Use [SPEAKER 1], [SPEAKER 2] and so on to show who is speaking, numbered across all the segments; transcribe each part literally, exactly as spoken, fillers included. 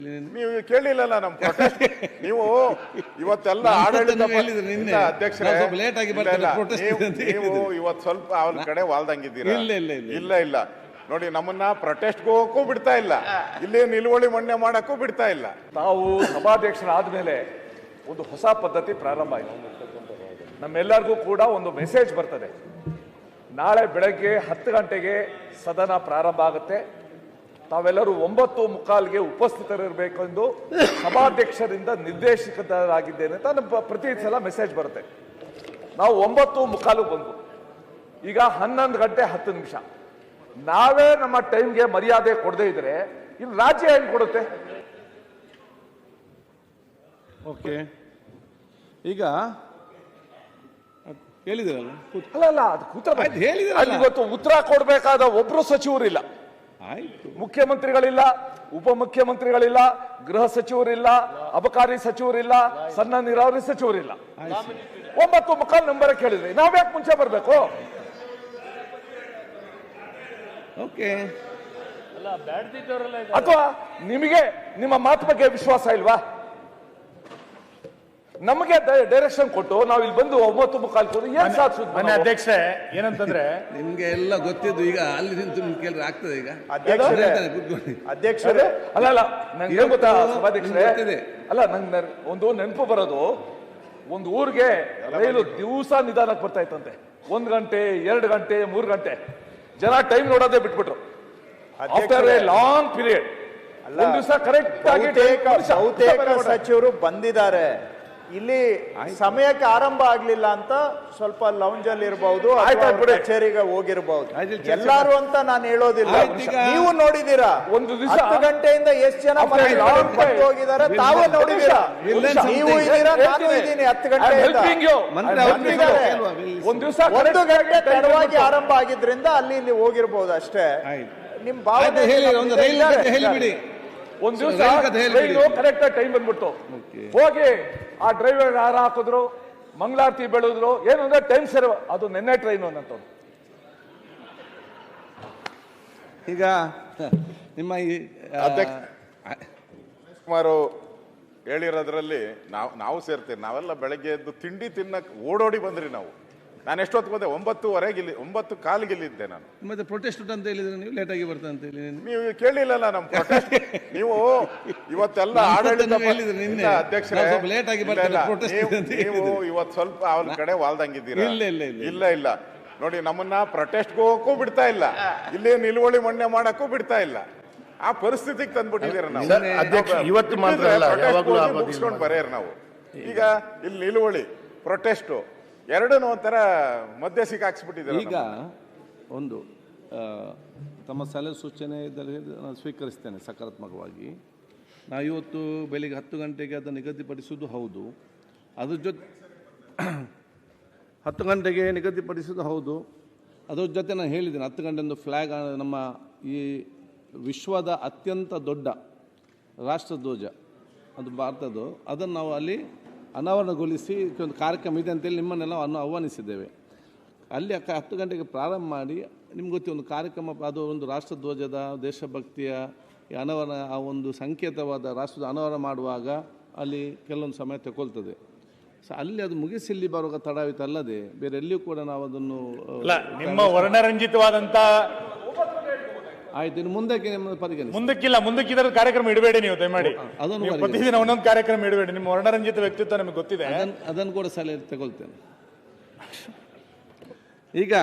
[SPEAKER 1] ನೀವು ಕೇಳಿಲ್ಲಲ್ಲ ನಮ್ಮ ಪ್ರೊಟೆಸ್ಟ್. ನೀವು ಇವತ್ತೆಲ್ಲ ಆಡಳಿತ ಅಧ್ಯಕ್ಷರೇ ನೀವು ಇವತ್ತು ಸ್ವಲ್ಪ ಅವ್ರ ಕಡೆ ವಾಲ್ದಂಗಿದ್ದೀರಾ. ಇಲ್ಲ ಇಲ್ಲ ನೋಡಿ, ನಮ್ಮನ್ನ ಪ್ರೊಟೆಸ್ಟ್ ಹೋಗಕ್ಕೂ ಬಿಡ್ತಾ ಇಲ್ಲ, ಇಲ್ಲಿ ನಿಲುವಳಿ ಮಣ್ಣೆ ಮಾಡಕ್ಕೂ ಬಿಡ್ತಾ ಇಲ್ಲ.
[SPEAKER 2] ತಾವು ಸಭಾಧ್ಯಕ್ಷರಾದ್ಮೇಲೆ ಒಂದು ಹೊಸ ಪದ್ಧತಿ ಪ್ರಾರಂಭ ಆಯಿತು. ನಮ್ಮೆಲ್ಲರಿಗೂ ಕೂಡ ಒಂದು ಮೆಸೇಜ್ ಬರ್ತದೆ, ನಾಳೆ ಬೆಳಗ್ಗೆ ಹತ್ತು ಗಂಟೆಗೆ ಸದನ ಪ್ರಾರಂಭ ಆಗುತ್ತೆ, ತಾವೆಲ್ಲರೂ ಒಂಬತ್ತು ಮುಕ್ಕಾಲ್ಗೆ ಉಪಸ್ಥಿತರಿರಬೇಕೆಂದು ಸಭಾಧ್ಯಕ್ಷರಿಂದ ನಿರ್ದೇಶಿತರಾಗಿದ್ದೇನೆ ಅಂತ ನಮ್ಮ ಪ್ರತಿ ಸಲ ಮೆಸೇಜ್ ಬರುತ್ತೆ. ನಾವು ಒಂಬತ್ತು ಮುಕ್ಕಾಲು ಬಂದು ಈಗ ಹನ್ನೊಂದು ಗಂಟೆ ಹತ್ತು ನಿಮಿಷ ನಾವೇ ನಮ್ಮ ಟೈಮ್ಗೆ ಮರ್ಯಾದೆ ಕೊಡದೇ ಇದ್ರೆ ಇಲ್ಲಿ ರಾಜ್ಯ ಹೆಂಗ್ ಕೊಡುತ್ತೆ?
[SPEAKER 3] ಓಕೆ, ಈಗ ಹೇಳಿದ್ರಲ್ಲ
[SPEAKER 2] ಅಲ್ಲ ಅಲ್ಲ ಅದು ಕೂತ್ರ ಹೇಳಿದ್ರೆ ಇವತ್ತು ಉತ್ತರ ಕೊಡಬೇಕಾದ ಒಬ್ರು ಸಚಿವರಿಲ್ಲ.
[SPEAKER 3] ಆಯ್ತು,
[SPEAKER 2] ಮುಖ್ಯಮಂತ್ರಿಗಳಿಲ್ಲ, ಉಪಮುಖ್ಯಮಂತ್ರಿಗಳಿಲ್ಲ, ಗೃಹ ಸಚಿವರಿಲ್ಲ, ಅಬಕಾರಿ ಸಚಿವರಿಲ್ಲ, ಸಣ್ಣ ನೀರಾವರಿ ಸಚಿವರಿಲ್ಲ. ಒಂಬತ್ತು ಮುಕ್ಕಾಲು ನಂಬರ್ ಕೇಳಿದ್ರಿ, ನಾವ್ಯಾಕೆ ಮುಂಚೆ ಬರ್ಬೇಕು?
[SPEAKER 3] ಓಕೆ,
[SPEAKER 2] ಅಥವಾ ನಿಮಗೆ ನಿಮ್ಮ ಮಾತು ಬಗ್ಗೆ ವಿಶ್ವಾಸ ಇಲ್ವಾ? ನಮಗೆ ಡೈರೆಕ್ಷನ್ ಕೊಟ್ಟು ನಾವು ಇಲ್ಲಿ ಬಂದು ಒಂಬತ್ತು ಮುಕ್ಕಾಲು ಏನ್ ಸಾಧಿಸುದು?
[SPEAKER 4] ಮನೆ ಅಧ್ಯಕ್ಷ ಏನಂತಂದ್ರೆ
[SPEAKER 3] ನಿಮ್ಗೆ ಎಲ್ಲ ಗೊತ್ತಿದ್ದು, ಈಗ ಅಲ್ಲಿ ನಿಂತು ನಿಮ್ಗೆ ಕೇಳಿದ್ರೆ ಆಗ್ತದೆ. ಈಗ
[SPEAKER 1] ಅಧ್ಯಕ್ಷರೇ
[SPEAKER 2] ಅಲ್ಲ ಅಲ್ಲ ನಂಗೆ ಗೊತ್ತಾ ಸಭಾಧ್ಯಕ್ಷರೇ, ಅಲ್ಲ ನಂಗೆ ಒಂದು ನೆನಪು ಬರೋದು, ಒಂದು ಊರಿಗೆ ರೈಲು ದಿವಸ ನಿಧಾನಕ್ಕೆ ಬರ್ತಾ ಇತ್ತಂತೆ, ಒಂದ್ ಗಂಟೆ ಎರಡು ಗಂಟೆ ಮೂರು ಗಂಟೆ, ಜನ ಟೈಮ್ ನೋಡೋದೇ ಬಿಟ್ಬಿಟ್ರು. ಆಫ್ಟರ್ ಎ ಲಾಂಗ್ ಪೀರಿಯಡ್ ಒಂದ್ ದಿವಸ ಕರೆಕ್ಟ್ ಆಗಿ
[SPEAKER 5] ಬಹುತೇಕ ಸಚಿವರು ಬಂದಿದ್ದಾರೆ. ಇಲ್ಲಿ ಸಮಯಕ್ಕೆ ಆರಂಭ ಆಗ್ಲಿಲ್ಲ ಅಂತ ಸ್ವಲ್ಪ ಲೌಂಜ್ ಅಲ್ಲಿ ಇರಬಹುದು, ಕಚೇರಿಗೆ ಹೋಗಿರಬಹುದು, ಎಲ್ಲಾರು ಅಂತ ನಾನು ಹೇಳೋದಿಲ್ಲ. ನೀವು ನೋಡಿದೀರಾ ಒಂದು ದಿವಸ ಹತ್ತು ಗಂಟೆಯಿಂದ ಎಷ್ಟು ಜನ ಹೋಗಿದ್ದಾರೆ, ತಾವೇ ನೋಡಿದೀರಾ. ನೀವು ಇದ್ದೀರಾ, ನಾನು ಇದ್ದೀನಿ. ಹತ್ತು ಗಂಟೆಯಿಂದ
[SPEAKER 2] ಒಂದ್ ದಿವಸ
[SPEAKER 5] ಒಂದು ಗಂಟೆ ತಡವಾಗಿ ಆರಂಭ ಆಗಿದ್ರಿಂದ ಅಲ್ಲಿ ಇಲ್ಲಿ ಹೋಗಿರ್ಬೋದು ಅಷ್ಟೇ. ನಿಮ್ ಭಾವನೆ
[SPEAKER 3] ಹೇಳಿಬಿಡಿ.
[SPEAKER 2] ಒಂದ್ ದಿವಸ ಕರೆಕ್ಟ್ ಟೈಮ್ ಬಂದ್ಬಿಟ್ಟು ಹೋಗಿ ಆ ಡ್ರೈವರ್ ಹಾರ ಹಾಕಿದ್ರು, ಮಂಗಳಾರತಿ ಬೆಳೆದ್ರು, ಏನು ಅಂದ್ರೆ ಟೈಮ್ ಸರಿ, ಅದು ನೆನ್ನೆ ಟ್ರೈನ್ ಅನ್ನಂತ.
[SPEAKER 3] ಈಗ ನಿಮ್ಮ ಈ
[SPEAKER 1] ಸುಮಾರು ಹೇಳಿರೋದ್ರಲ್ಲಿ ನಾವು ನಾವು ಸೇರ್ತೇವೆ. ನಾವೆಲ್ಲ ಬೆಳಗ್ಗೆ ಎದ್ದು ತಿಂಡಿ ತಿನ್ನಕ್ ಓಡೋಡಿ ಬಂದ್ರಿ ನಾವು. ನಾನು ಎಷ್ಟೊತ್ತು ಬಂದೆ? ಒಂಬತ್ತುವರೆಗೆ ಇಲ್ಲಿ, ಒಂಬತ್ತು ಕಾಲಿಗೆ ಇಲ್ಲಿದ್ದೆ ನಾನು.
[SPEAKER 3] ಮತ್ತೆ ಪ್ರೊಟೆಸ್ಟ್ ಅಂತ ಹೇಳಿದ್ರೆ ನೀವು ಲೇಟ್ ಆಗಿ ಬರ್ತಾ ಅಂತ ಹೇಳಿ
[SPEAKER 1] ನೀವು ಕೇಳಿಲ್ಲಲ್ಲ ನಮ್ಮ ಪ್ರೊಟೆಸ್ಟ್. ನೀವು ಇವತ್ತೆಲ್ಲ ಆಡಳಿತ ಅಧ್ಯಕ್ಷರೇ
[SPEAKER 3] ಲೇಟ್ ಆಗಿ
[SPEAKER 1] ನೀವು ಇವತ್ತು ಸ್ವಲ್ಪ ಅವ್ರ ಕಡೆ ವಾಲ್ದಂಗಿದ್ದೀರಾ. ಇಲ್ಲ ಇಲ್ಲ ನೋಡಿ, ನಮ್ಮನ್ನ ಪ್ರೊಟೆಸ್ಟ್ ಹೋಗಕ್ಕೂ ಬಿಡ್ತಾ ಇಲ್ಲ, ಇಲ್ಲಿ ನಿಲುವಳಿ ಮಣ್ಣೆ ಮಾಡಕ್ಕೂ ಬಿಡ್ತಾ ಇಲ್ಲ. ಆ ಪರಿಸ್ಥಿತಿಗೆ ತಂದ್ಬಿಟ್ಟಿದ್ದೀರ ನಾವು.
[SPEAKER 4] ಇವತ್ತು ಮಾತ್ರ
[SPEAKER 1] ಮುಗಿಸ್ಕೊಂಡು ಬರೆಯರ್ ನಾವು. ಈಗ ಇಲ್ಲಿ ನಿಲುವಳಿ ಪ್ರೊಟೆಸ್ಟು ಎರಡನ್ನೂ ಒಂಥರ ಮಧ್ಯೆ ಸಿಕ್ಕಾಕ್ಸ್ಬಿಟ್ಟಿದ್ದಾರೆ.
[SPEAKER 3] ಈಗ ಒಂದು ತಮ್ಮ ಸಲಹೆ ಸೂಚನೆ ಇದ್ದಲ್ಲಿ ನಾನು ಸ್ವೀಕರಿಸ್ತೇನೆ ಸಕಾರಾತ್ಮಕವಾಗಿ. ನಾವು ಇವತ್ತು ಬೆಳಿಗ್ಗೆ ಹತ್ತು ಗಂಟೆಗೆ ಅದನ್ನು ನಿಗದಿಪಡಿಸುವುದು ಹೌದು, ಅದ್ರ ಜೊತೆ ಹತ್ತು ಗಂಟೆಗೆ ನಿಗದಿಪಡಿಸೋದು ಹೌದು. ಅದ್ರ ಜೊತೆ ನಾನು ಹೇಳಿದ್ದೇನೆ, ಹತ್ತು ಗಂಟೆಯಿಂದ ಫ್ಲ್ಯಾಗ್, ನಮ್ಮ ಈ ವಿಶ್ವದ ಅತ್ಯಂತ ದೊಡ್ಡ ರಾಷ್ಟ್ರಧ್ವಜ ಅದು ಭಾರತದ್ದು, ಅದನ್ನು ನಾವು ಅಲ್ಲಿ ಅನಾವರಣಗೊಳಿಸಿ ಒಂದು ಕಾರ್ಯಕ್ರಮ ಇದೆ ಅಂತೇಳಿ ನಿಮ್ಮನ್ನೆಲ್ಲ ಅನ್ನು ಆಹ್ವಾನಿಸಿದ್ದೇವೆ. ಅಲ್ಲಿ ಅಕ್ಕ ಹತ್ತು ಗಂಟೆಗೆ ಪ್ರಾರಂಭ ಮಾಡಿ, ನಿಮ್ಗೆ ಗೊತ್ತಿ ಒಂದು ಕಾರ್ಯಕ್ರಮ, ಅದು ಒಂದು ರಾಷ್ಟ್ರಧ್ವಜದ ದೇಶಭಕ್ತಿಯ ಅನಾವರಣ, ಆ ಒಂದು ಸಂಕೇತವಾದ ರಾಷ್ಟ್ರದ ಅನಾವರಣ ಮಾಡುವಾಗ ಅಲ್ಲಿ ಕೆಲವೊಂದು ಸಮಯ ತಗೊಳ್ತದೆ. ಸೊ ಅಲ್ಲಿ ಅದು ಮುಗಿಸಿ ಇಲ್ಲಿ ಬರುವಾಗ ತಡಾವಿತ ಅಲ್ಲದೆ ಬೇರೆ ಎಲ್ಲಿಯೂ ಕೂಡ ನಾವು ಅದನ್ನು
[SPEAKER 4] ನಿಮ್ಮ ವರ್ಣರಂಜಿತವಾದಂಥ
[SPEAKER 3] ಆಯ್ತು, ಇನ್ನು ಮುಂದಕ್ಕೆ ನಿಮ್ಮ ಪರಿಗಣಿಸಿ.
[SPEAKER 4] ಮುಂದಕ್ಕಿಲ್ಲ, ಮುಂದಕ್ಕಿದ್ರ ಕಾರ್ಯಕ್ರಮ ಇಡಬೇಡಿ ನೀವು ದಯಮಾಡಿ.
[SPEAKER 3] ಅದನ್ನು
[SPEAKER 4] ಪ್ರತಿದಿನ ಒಂದೊಂದು ಕಾರ್ಯಕ್ರಮ ಇಡಬೇಡಿ. ನಿಮ್ಮ ವರ್ಣರಂಜಿತ ವ್ಯಕ್ತಿತ್ವ ನಮಗೆ ಗೊತ್ತಿದೆ,
[SPEAKER 3] ಅದನ್ನು ಕೂಡ ಸಲಹೆ ತಗೊಳ್ತೇನೆ. ಈಗ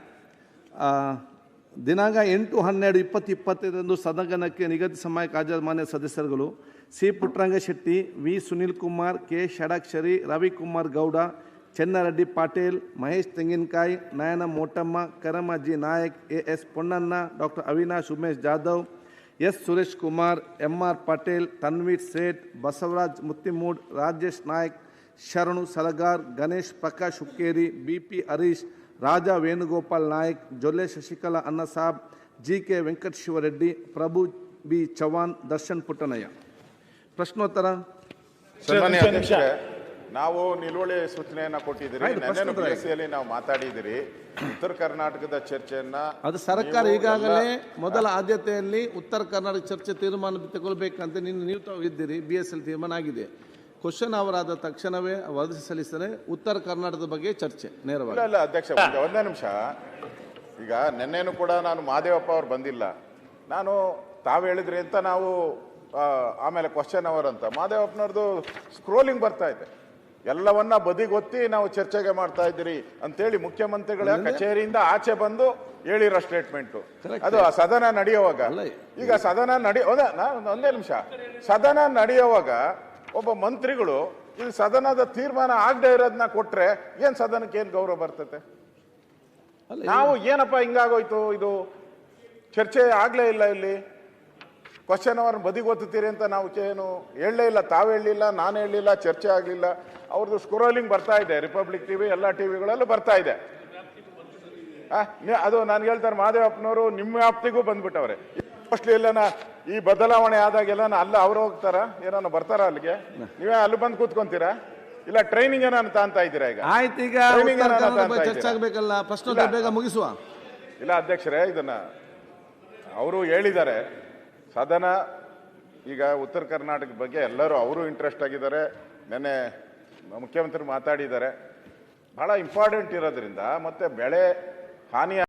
[SPEAKER 3] ದಿನಾಂಕ ಎಂಟು ಹನ್ನೆರಡು ಇಪ್ಪತ್ತು ಇಪ್ಪತ್ತೈದರಂದು ಸದನಕ್ಕೆ ನಿಗದಿತ ಸಮಯಕ್ಕೆ ಹಾಜರಾದ ಮಾನ್ಯ ಸದಸ್ಯರುಗಳು C Puttaranga Shetty, V Sunil Kumar, K Shadakshari, Ravikumar Gowda, Chennareddy Patil, Mahesh Tenginakai, Nayana Motamma, Karamajji Nayak, A S Ponnanna, doctor Avinash Umesh Jadhav, S Suresh Kumar, M R Patel, Tanveer Sait, Basavaraj Mattimud, Rajesh Nayak, Sharanu Salagar, Ganesh Prakash Hukkeri, B P Harish, Raja Venugopal Nayak, Jolle Shashikala Annasab, G K Venkatashivareddy, Prabhu B Chavan, Darshan Puttannaiah. ಪ್ರಶ್ನೋತ್ತರ.
[SPEAKER 1] ಸನ್ಮಾನ್ಯ ಅಧ್ಯಕ್ಷರೇ, ನಾವು ನಿಲುವಳಿ ಸೂಚನೆಯನ್ನ ಕೊಟ್ಟಿದ್ದೀರಿ.
[SPEAKER 3] ಆಯ್ತು,
[SPEAKER 1] ನೆನ್ನೆನೂ
[SPEAKER 3] ಪ್ರಶ್ನೋತ್ತರ
[SPEAKER 1] ಪಿ ಎಸ್ ಸಿಯಲ್ಲಿ ನಾವು ಮಾತಾಡಿದಿರಿ. ಉತ್ತರ ಕರ್ನಾಟಕದ ಚರ್ಚೆಯನ್ನ
[SPEAKER 3] ಅದು ಸರ್ಕಾರ
[SPEAKER 1] ನೀವು
[SPEAKER 3] ಈಗಾಗಲೇ
[SPEAKER 1] ಎಲ್ಲ-
[SPEAKER 3] ಮೊದಲ ಆದ್ಯತೆಯಲ್ಲಿ ಉತ್ತರ ಕರ್ನಾಟಕ ಚರ್ಚೆ ತೀರ್ಮಾನ ತಗೊಳ್ಬೇಕಂತ ನಿನ್ನ ನೀವು ತಾವು ಇದ್ದೀರಿ. ಬಿ ಎಸ್ ಎಲ್ ತೀರ್ಮಾನ ಆಗಿದೆ. ಕ್ವಶನ್ ಅವರಾದ ತಕ್ಷಣವೇ ವರದಿ ಸಲ್ಲಿಸಿದರೆ ಉತ್ತರ ಕರ್ನಾಟಕದ ಬಗ್ಗೆ ಚರ್ಚೆ ನೇರವಾಗಿ.
[SPEAKER 1] ಇಲ್ಲ ಇಲ್ಲ ಅಧ್ಯಕ್ಷ, ಒಂದೇ- ಒಂದೇ ನಿಮಿಷ. ಈಗ ನಿನ್ನೆನೂ ಕೂಡ ನಾನು ಮಹದೇವಪ್ಪ ಅವ್ರು ಬಂದಿಲ್ಲ, ನಾನು ತಾವು ಹೇಳಿದ್ರಿ ಅಂತ ನಾವು ಆ, ಆಮೇಲೆ ಕ್ವಶನ್ ಅವರ್ ಅಂತ ಮಹದೇವಪ್ಪನವ್ರದ್ದು ಸ್ಕ್ರೋಲಿಂಗ್ ಬರ್ತಾ ಇದೆ. ಎಲ್ಲವನ್ನ ಬದಿಗೊತ್ತಿ ನಾವು ಚರ್ಚೆಗೆ ಮಾಡ್ತಾ ಇದ್ದೀರಿ ಅಂತೇಳಿ ಮುಖ್ಯಮಂತ್ರಿಗಳ ಕಚೇರಿಯಿಂದ ಆಚೆ ಬಂದು ಹೇಳಿರೋ ಸ್ಟೇಟ್ಮೆಂಟು ಅದು ಆ ಸದನ ನಡೆಯುವಾಗ. ಈಗ ಸದನ ನಡೆಯ ಒಂದೇ ನಿಮಿಷ ಸದನ ನಡೆಯುವಾಗ ಒಬ್ಬ ಮಂತ್ರಿಗಳು ಇದು ಸದನದ ತೀರ್ಮಾನ ಆಗದೆ ಇರೋದನ್ನ ಕೊಟ್ರೆ ಏನ್ ಸದನಕ್ಕೆ ಏನ್ ಗೌರವ ಬರ್ತತೆ? ನಾವು ಏನಪ್ಪ ಹಿಂಗಾಗೋಯ್ತು, ಇದು ಚರ್ಚೆ ಆಗ್ಲೇ ಇಲ್ಲ, ಇಲ್ಲಿ ಕ್ವಶನ್ ಅವರ್ ಬದಿಗೊತ್ತೀರಿ ಅಂತ ನಾವು ಏನು ಹೇಳಲೇ ಇಲ್ಲ, ತಾವು ಹೇಳಲಿಲ್ಲ, ನಾನು ಹೇಳಲಿಲ್ಲ, ಚರ್ಚೆ ಆಗಲಿಲ್ಲ. ಅವ್ರದ್ದು ಸ್ಕ್ರೋಲಿಂಗ್ ಬರ್ತಾ ಇದೆ, ರಿಪಬ್ಲಿಕ್ ಟಿವಿ ಎಲ್ಲ ಟಿವಿಗಳಲ್ಲೂ ಬರ್ತಾ ಇದೆ. ಅದು ನಾನು ಹೇಳ್ತಾರೆ ಮಹದೇವಪ್ಪನವರು ನಿಮ್ಮ ವ್ಯಾಪ್ತಿಗೂ ಬಂದ್ಬಿಟ್ಟವ್ರೆ. ಮೋಸ್ಟ್ಲಿ ಎಲ್ಲ ಈ ಬದಲಾವಣೆ ಆದಾಗೆಲ್ಲ ಅಲ್ಲ ಅವ್ರು ಹೋಗ್ತಾರ, ಏನಾನ ಬರ್ತಾರ ಅಲ್ಲಿಗೆ? ನೀವೇ ಅಲ್ಲಿ ಬಂದು ಕೂತ್ಕೊಂತೀರಾ? ಇಲ್ಲ ಟ್ರೈನಿಂಗ್ ಏನಾನ ತಾಂತ ಇದ್ದೀರಾ? ಈಗ
[SPEAKER 3] ಆಯ್ತು, ಈಗ
[SPEAKER 1] Training
[SPEAKER 3] ಉತ್ತರ
[SPEAKER 1] ಏನಾನ
[SPEAKER 3] ಕನ್ನಡ
[SPEAKER 1] ತಾಂತ
[SPEAKER 3] ಬಗ್ಗೆ ಚರ್ಚೆ
[SPEAKER 1] ಇದ್ದೀರಾ?
[SPEAKER 3] ಆಗಬೇಕಲ್ಲ, ಪ್ರಶ್ನೋತ್ತರ ಬೇಗ ಮುಗಿಸುವ.
[SPEAKER 1] ಇಲ್ಲ ಅಧ್ಯಕ್ಷರೇ, ಇದನ್ನ ಅವರು ಹೇಳಿದ್ದಾರೆ. ಸದನ ಈಗ ಉತ್ತರ ಕರ್ನಾಟಕ ಬಗ್ಗೆ ಎಲ್ಲರೂ ಅವರು ಇಂಟ್ರೆಸ್ಟ್ ಆಗಿದ್ದಾರೆ. ನೆನ್ನೆ ಮುಖ್ಯಮಂತ್ರಿ ಮಾತಾಡಿದ್ದಾರೆ. ಬಹಳ ಇಂಪಾರ್ಟೆಂಟ್ ಇರೋದ್ರಿಂದ ಮತ್ತೆ ಬೆಳೆ ಹಾನಿ